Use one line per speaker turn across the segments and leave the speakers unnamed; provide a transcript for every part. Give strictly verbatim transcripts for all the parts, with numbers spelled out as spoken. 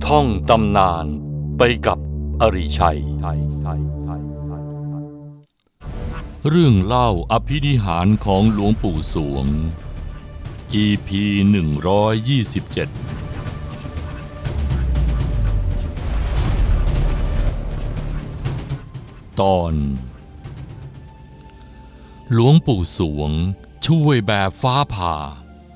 ท่องตำนานไปกับอริชัยเรื่องเล่าอภินิหารของหลวงปู่สวง อี พี หนึ่งร้อยยี่สิบเจ็ด ตอนหลวงปู่สวงช่วยแบบฟ้าผ่า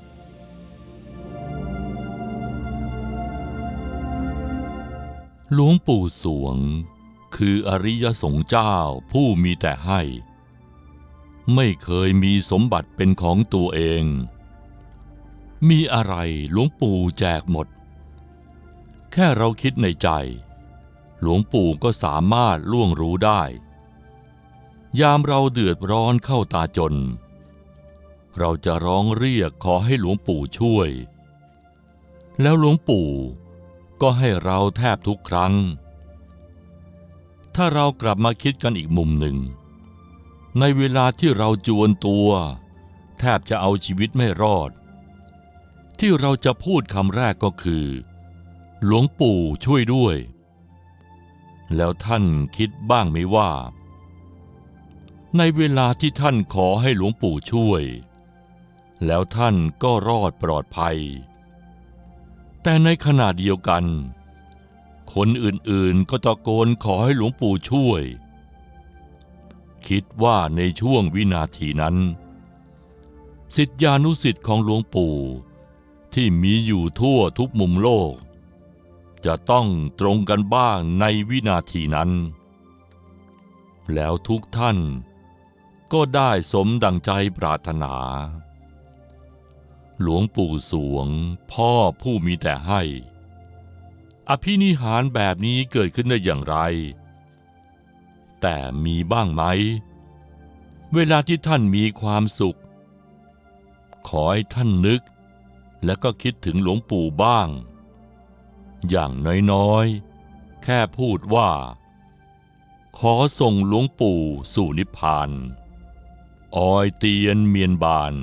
หลวงปู่สวงคืออริยสงฆ์เจ้าผู้มีแต่ให้ไม่เคยมีสมบัติเป็นของตัวเองมีอะไรหลวงปู่แจกหมดแค่เราคิดในใจหลวงปู่ก็สามารถล่วงรู้ได้ยามเราเดือดร้อนเข้าตาจนเราจะร้องเรียกขอให้หลวงปู่ช่วยแล้วหลวงปู่ก็ให้เราแทบทุกครั้งถ้าเรากลับมาคิดกันอีกมุมหนึ่งในเวลาที่เราจวนตัวแทบจะเอาชีวิตไม่รอดที่เราจะพูดคำแรกก็คือหลวงปู่ช่วยด้วยแล้วท่านคิดบ้างไหมว่าในเวลาที่ท่านขอให้หลวงปู่ช่วยแล้วท่านก็รอดปลอดภัยแต่ในขณะเดียวกันคนอื่นๆก็ตะโกนขอให้หลวงปู่ช่วยคิดว่าในช่วงวินาทีนั้นศิษยานุศิษย์ของหลวงปู่ที่มีอยู่ทั่วทุกมุมโลกจะต้องตรงกันบ้างในวินาทีนั้นแล้วทุกท่านก็ได้สมดังใจปรารถนาหลวงปู่สวงพ่อผู้มีแต่ให้อภินิหารแบบนี้เกิดขึ้นได้อย่างไรแต่มีบ้างไหมเวลาที่ท่านมีความสุขขอให้ท่านนึกและก็คิดถึงหลวงปู่บ้างอย่างน้อยๆแค่พูดว่าขอส่งหลวงปู่สู่นิพพานออยเตียนเมียนบาน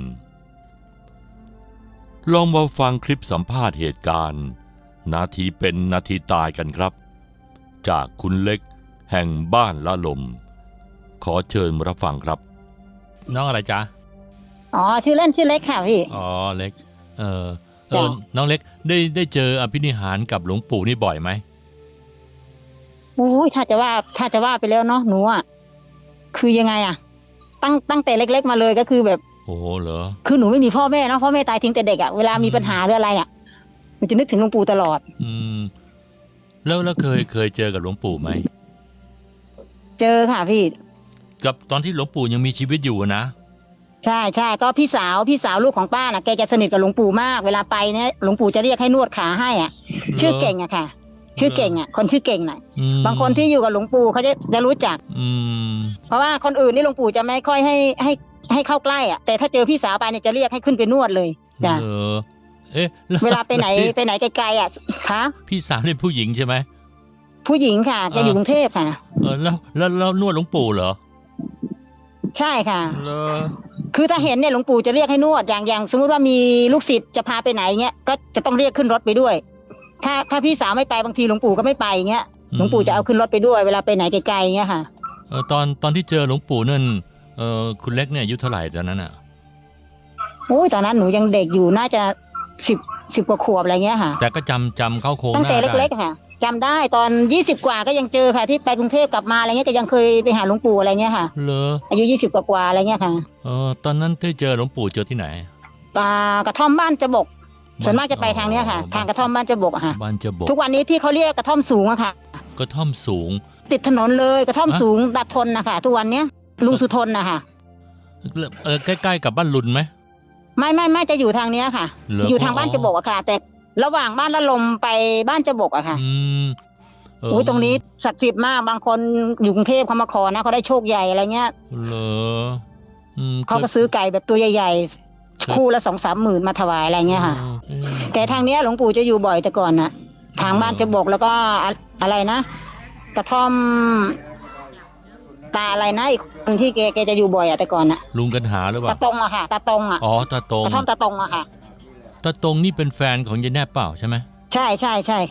ลองมาฟังคลิปสัมภาษณ์เหตุการณ์นาทีเป็นนาทีตายกันครับจากคุณเล็กแห่งบ้านละลมขอเชิญรับฟังครับน้องอะไรจ๊ะ
อ๋อชื่อเล่นชื่อเล็กค่ะพี่
อ๋อเล็กเออเออน้องเล็กได้ได้เจออภินิหารกับหลวงปู่นี่บ่อยไหม
อุ้ยถ้าจะว่าถ้าจะว่าไปแล้วเนาะหนูอ่ะคือยังไงอ่ะตั้งตั้งแต่เล็กๆมาเลยก็คือแบบ
โอ้เหรอ
คือหนูไม่มีพ่อแม่เนาะพ่อแม่ตายทิ้งแต่เด็กอ่ะเวลามีปัญหาหรืออะไรอ่ะมันจะนึกถึงหลวงปู่ตลอด
อืมแล้วแล้วเคยเคยเจอกับหลวงปู่ไหม
เจอค่ะพี่
กับตอนที่หลวงปู่ยังมีชีวิตอยู่นะ
ใช่ใช่ก็พี่สาวพี่สาวลูกของป้าน่ะแกจะสนิทกับหลวงปู่มากเวลาไปเนี่ยหลวงปู่จะเรียกให้นวดขาให้อ่ะชื่อเก่งอะค่ะชื่อเก่งอ่ะคนชื่อเก่งน่ะบางคนที่อยู่กับหลวงปู่เขาจะจะรู้จักเพราะว่าคนอื่นนี่หลวงปู่จะไม่ค่อยให้ให้ให้เข้าใกล้อ่ะแต่ถ้าเจอพี่สาวไปเนี่ยจะเรียกให้ขึ้นไปนวดเลยจ้ะ
เอ๊ะ
เวลาไปไหนไปไหนไกลๆอ่ะคะ
พี่สาวเป็นผู้หญิงใช่ไหม
ผู้หญิงค่ะแกอยู่กรุงเทพค่ะ
เออแล้วแล้วแล้วนวดหลวงปู่เหรอ
ใช่ค่ะ
เหรอ
คือถ้าเห็นเนี่ยหลวงปู่จะเรียกให้นวดอย่างอย่างสมมุติว่ามีลูกศิษย์จะพาไปไหนเงี้ยก็จะต้องเรียกขึ้นรถไปด้วยถ้าถ้าพี่สาวไม่ไปบางทีหลวงปู่ก็ไม่ไปเงี้ยหลวงปู่จะเอาขึ้นรถไปด้วยเวลาไปไหนไกลๆเงี้ยค่ะ
เออตอนตอนที่เจอหลวงปู่นั่นเออคุณเล็กเนี่ยอายุเท่าไหร่ตอนนั้นอ่ะ
โอ้ยตอนนั้นหนูยังเด็กอยู่น่าจะสิบสิบกว่าขวบอะไรเงี้ยค่ะ
แต่ก็จำจำเข้าโค้ง
ตั้งแต่เล็กๆค่ะจำได้ตอนยี่สิบกว่าก็ยังเจอค่ะที่ไปกรุงเทพกลับมาอะไรเงี้ยก็ยังเคยไปหาหลวงปู่อะไรเงี้ยค่ะ
เหรอ
อายุยี่สิบกว่าๆอะไรเงี้ยค่ะ
เออตอนนั้นที่เจอหลวงปู่เจอที่ไหน
กระท่อมบ้านจะบกส่วนมากจะไปทางเนี้ยค่ะทางกระท่อมบ้านจะบกอะค่ะ
บ้านจะบก
ทุกวันนี้ที่เขาเรียกกระท่อมสูงอะค่ะ
กระท่อมสูง
ติดถนนเลยกระท่อมสูงดัดทนนะคะทุกวันเนี้ยลุงสุทนนะคะ
เออใกล้ๆกับบ้านลุนไหม
ไม่ไม่ไม่จะอยู่ทางเนี้ยค่ะอยู่ทางบ้านจะบกอะค่ะแต่ระหว่างบ้านละลมไปบ้านจะบกอะค่ะ
อืม
โอ้ยตรงนี้ศักดิ์สิทธิ์มากบางคนอยู่กรุงเทพเขามาขอนะเขาได้โชคใหญ่อะไรเงี้ย
เหรอ
เขาก็ซื้อไก่แบบตัวใหญ่ๆคู่ละสองสามหมื่นมาถวายอะไรเงี้ยค่ะแต่ทางเนี้ยหลวงปู่จะอยู่บ่อยแต่ก่อนน่ะทางบ้านจะบกแล้วก็อะไรนะกระท่อมตาอะไรนะอีกคนที่แกแกจะอยู่บ่อยอะแต่ก่อนน่ะ
ลุงกันหาหรือเปล่า
ตาตรงอะค่ะตาตรงอะ
อ๋อตาตรง
กระท่อมตาตรงอะค่ะ
ตาตรงนี่เป็นแฟนของยายแนบเปล่าใช่ไหม
ใช่ใช่ใช่ค่ะ
เอ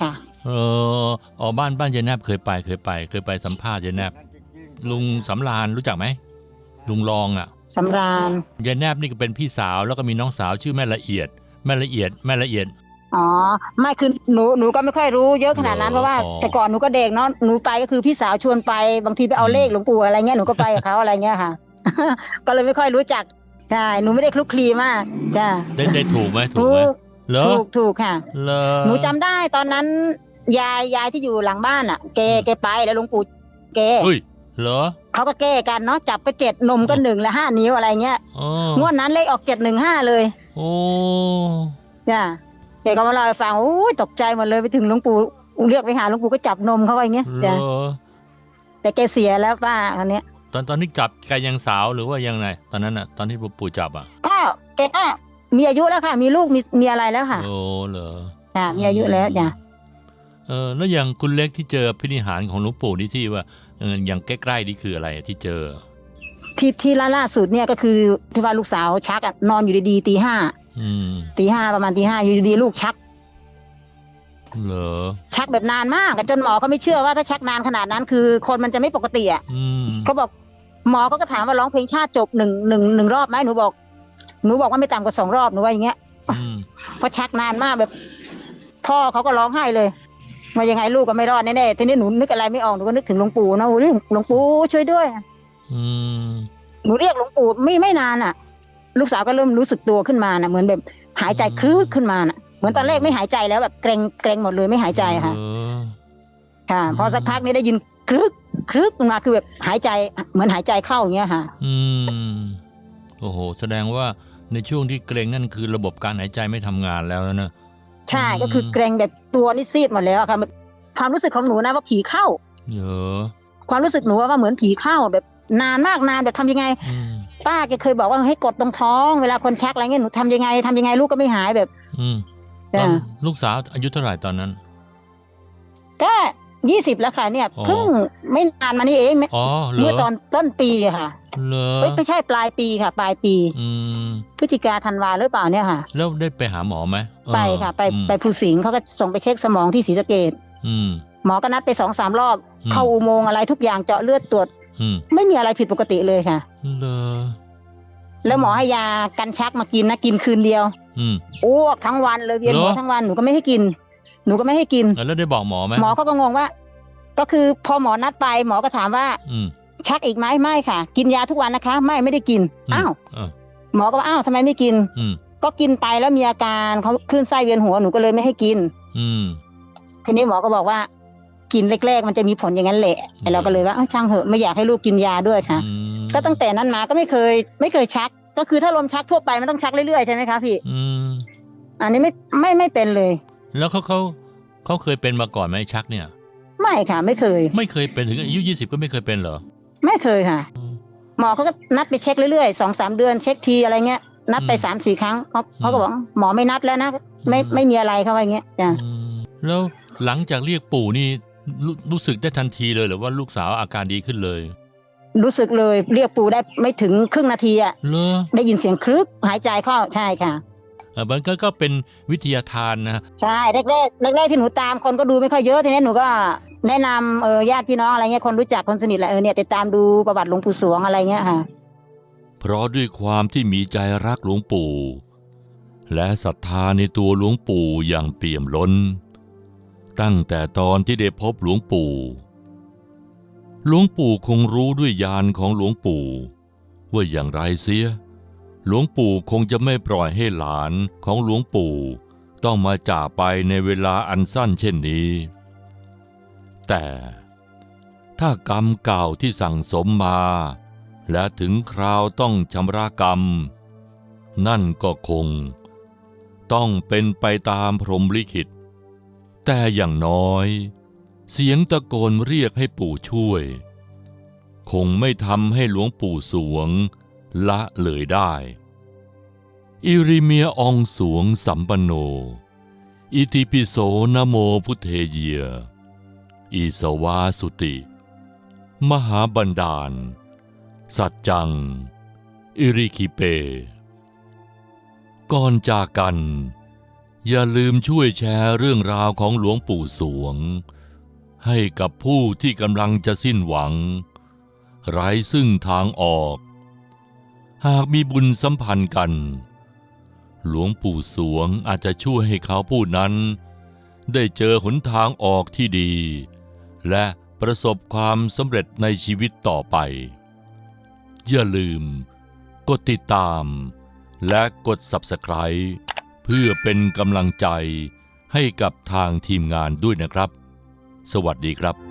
เอออ๋อบ้านบ้านยายแนบเคยไปเคยไป เคยไปสัมภาษณ์ยายแนบลุงสำราญรู้จักไหมลุงรองอ่ะ
สำราญ
ยายแนบนี่ก็เป็นพี่สาวแล้วก็มีน้องสาวชื่อแม่ละเอียดแม่ละเอียดแม่ละเอียด
อ๋อไม่คือหนูหนูก็ไม่ค่อยรู้เยอะขนาดนั้นเพราะว่าแต่ก่อนหนูก็เด็กเนาะหนูไปก็คือพี่สาวชวนไปบางทีไปเอาเลขหลวงปู่อะไรเงี้ยหนูก็ไปกับเขาอะไรเงี้ยค่ะ ก็เลยไม่ค่อยรู้จักใช่หนูไม่ได้คลุกคลีมากจ้า
ได้ได้ถูกไหมถูกไหม
ถูกถูกค่ะหนูจำได้ตอนนั้นยายยายที่อยู่หลังบ้านอ่ะแกแกไปแล้วหลวงปู่แก
เฮ้ยเหรอ
เขาก็แก้กันเนาะจับไปเจ็ดนมก็หนึ่งและห้านิ้วอะไรเงี้ยงวดนั้นเลขออกเจ็ดหนึ่งห้าเลย
โอ้
จ้าแกก็มาเล่าให้ฟังโอ้ยตกใจหมดเลยไปถึงหลวงปู่เรียกไปหาหลวงปู่ก็จับนมเขาไว้เงี้ยจ้าแต่แกเสียแล้วป้าคนนี้
ตอนตอนที่จับแกยังสาวหรือว่ายังไงตอนนั้นอ่ะตอนที่ปู่จับอ่ะ
ก็แกก็มีอายุแล้วค่ะมีลูกมีมีอะไรแล้วค่ะ
โอ้เหรอ
จ้ามีอายุแล้วจ้า
เออแล้วอย่างคุณเล็กที่เจอพินิหารของหลวงปู่นี่ที่ว่าเอออย่างใกล้ๆนี่คืออะไรที่เจอ
ที่ที่ล่าสุดเนี่ยก็คือที่ว่าลูกสาวชักอ่ะนอนอยู่ดีๆตีห้าตีห้าประมาณตีห้าอยู่ดีๆลูกชัก
เหรอ
ชักแบบนานมากจนหมอเขาไม่เชื่อว่าถ้าชักนานขนาดนั้นคือคนมันจะไม่ปกติอ่ะเขาบอกหมอเขาก็ถามว่าร้องเพลงชาติจบหนึ่งหนึ่งหนึ่งรอบไหมหนูบอกหนูบอกว่าไม่ต่ำกว่าสองรอบหนูว่าอย่างเงี้ยเพราะชักนานมากแบบพ่อเขาก็ร้องไห้เลยว่ายังไงลูกก็ไม่รอดแน่ๆทีนี้หนูนึกอะไรไม่ออกหนูก็นึกถึงหลวงปู่นะโอ้ยหลวงปู่ช่วยด้วยหนูเรียกหลวงปู่ไม่ไม่นานอ่ะลูกสาวก็เริ่มรู้สึกตัวขึ้นมาน่ะเหมือนแบบหายใจคลึกขึ้นมาน่ะเหมือนตอนแรกไม่หายใจแล้วแบบเกรงเกรงหมดเลยไม่หายใจค่ะค่ะพอสักพักนี้ได้ยินคลึกคลึกมาคือแบบหายใจเหมือนหายใจเข้าอย่างเงี้ยค่ะ
อืมโอ้โหแสดงว่าในช่วงที่เกรงนั่นคือระบบการหายใจไม่ทำงานแล้วนะ
ใช่ก็คือเกรงแบบตัวนี่ซีดหมดแล้วค่ะความรู้สึกของหนูนะว่าผีเข้า
เยอะ
ความรู้สึกหนูว่าเหมือนผีเข้าแบบนานมากนานแบบทำยังไงป้าแกเคยบอกว่าให้กดตรงท้องเวลาคนชักอะไรเงี้ยหนูทำยังไงทำยังไงลูกก็ไม่หายแบบ
อืมลูกสาวอายุเท่าไหร่ตอนนั้น
ก็ยี่สิบแล้วค่ะเนี่ยเพิ่งไม่นานมานี้เองเมื่อตอนต้นปีค่ะ
เหรอ
ไม่ใช่ปลายปีค่ะปลายปีพฤศจิกาธันวาหรือเปล่าเนี่ยค่ะ
แล้วได้ไปหาหมอไหม
ไปค่ะไปไปภูสิงห์เขาก็ส่งไปเช็คสมองที่ศรีสะเกษหมอก็นัดไปสองสามรอบเข้าอุโมงค์อะไรทุกอย่างเจาะเลือดตรวจไม่มีอะไรผิดปกติเลยค่ะ
เหรอ
แล้วหมอให้ยากันชักมากินนะกินคืนเดียวอ้วกทั้งวันเลยเวียนหัวทั้งวันหนูก็ไม่ให้กินหนูก็ไม่ให้กิน
แล้วได้บอกหมอไหม
หมอก็งงว่าก็คือพอหมอนัดไปหมอก็ถามว่าชักอีกไหมไม่ค่ะกินยาทุกวันนะคะไม่ไม่ได้กินอ้าวหมอก็ว่าอ้าวทำไมไม่กินก็กินไปแล้วมีอาการเขาคลื่นไส้เวียนหัวหนูก็เลยไม่ให้กินทีนี้หมอก็บอกว่ากินแรกๆมันจะมีผลอย่างนั้นแหละเราก็เลยว่าช่างเหอะไม่อยากให้ลูกกินยาด้วยค่ะก็ตั้งแต่นั้นมาก็ไม่เคยไม่เคยชักก็คือถ้าลมชักทั่วไปมันต้องชักเรื่อยๆใช่ไหมคะพี่อันนี้ไม่ไม่ไม่เป็นเลย
แล้วเขาเขาเขาเคยเป็นมาก่อนไหมชักเนี่ย
ไม่ค่ะไม่เคย
ไม่เคยเป็นถึงอายุยี่สิบก็ไม่เคยเป็นเหรอ
ไม่เคยค่ะหมอเขาก็นัดไปเช็คเรื่อยๆสองสามเดือนเช็คทีอะไรเงี้ยนัดไปสามสี่ครั้งเขาเขาก็บอกหมอไม่นัดแล้วนะไม่ไม่มีอะไรเขาว่าอย่างเงี้ยจ้ะ
แล้วหลังจากเรียกปู่นี่รู้สึกได้ทันทีเลยหรือว่าลูกสาวอาการดีขึ้นเลย
รู้สึกเลยเรียกปู่ได้ไม่ถึงครึ่งนาทีอ่ะได้ยินเสียงคลึกหายใจเข้าใช่ค่ะ
มันก็ก็เป็นวิทยาทานนะ
ใช่แรกแรกแรกแรกที่หนูตามคนก็ดูไม่ค่อยเยอะทีนี้หนูก็แนะนำเออญาติพี่น้องอะไรเงี้ยคนรู้จักคนสนิทแหละเออเนี่ยติดตามดูประวัติหลวงปู่สวงอะไรเงี้ยค่ะ
เพราะด้วยความที่มีใจรักหลวงปู่และศรัทธาในตัวหลวงปู่อย่างเปี่ยมล้นตั้งแต่ตอนที่ได้พบหลวงปู่หลวงปู่คงรู้ด้วยญาณของหลวงปู่ว่าอย่างไรเสียหลวงปู่คงจะไม่ปล่อยให้หลานของหลวงปู่ต้องมาจากไปในเวลาอันสั้นเช่นนี้แต่ถ้ากรรมเก่าที่สั่งสมมาและถึงคราวต้องชำระกรรมนั่นก็คงต้องเป็นไปตามพรหมลิขิตแต่อย่างน้อยเสียงตะโกนเรียกให้ปู่ช่วยคงไม่ทำให้หลวงปู่สวงละเลยได้อิริเมียอองสวงสัมปันโนอิติปิโสนะโมพุทเทเยอิสวาสุติมหาบันดาลสัจจังอิริคิเปก่อนจากกันอย่าลืมช่วยแชร์เรื่องราวของหลวงปู่สวงให้กับผู้ที่กำลังจะสิ้นหวังไร้ซึ่งทางออกหากมีบุญสัมพันธ์กันหลวงปู่สวงอาจจะช่วยให้เขาผู้นั้นได้เจอหนทางออกที่ดีและประสบความสำเร็จในชีวิตต่อไปอย่าลืมกดติดตามและกด ซับสไครบ์ เพื่อเป็นกำลังใจให้กับทางทีมงานด้วยนะครับสวัสดีครับ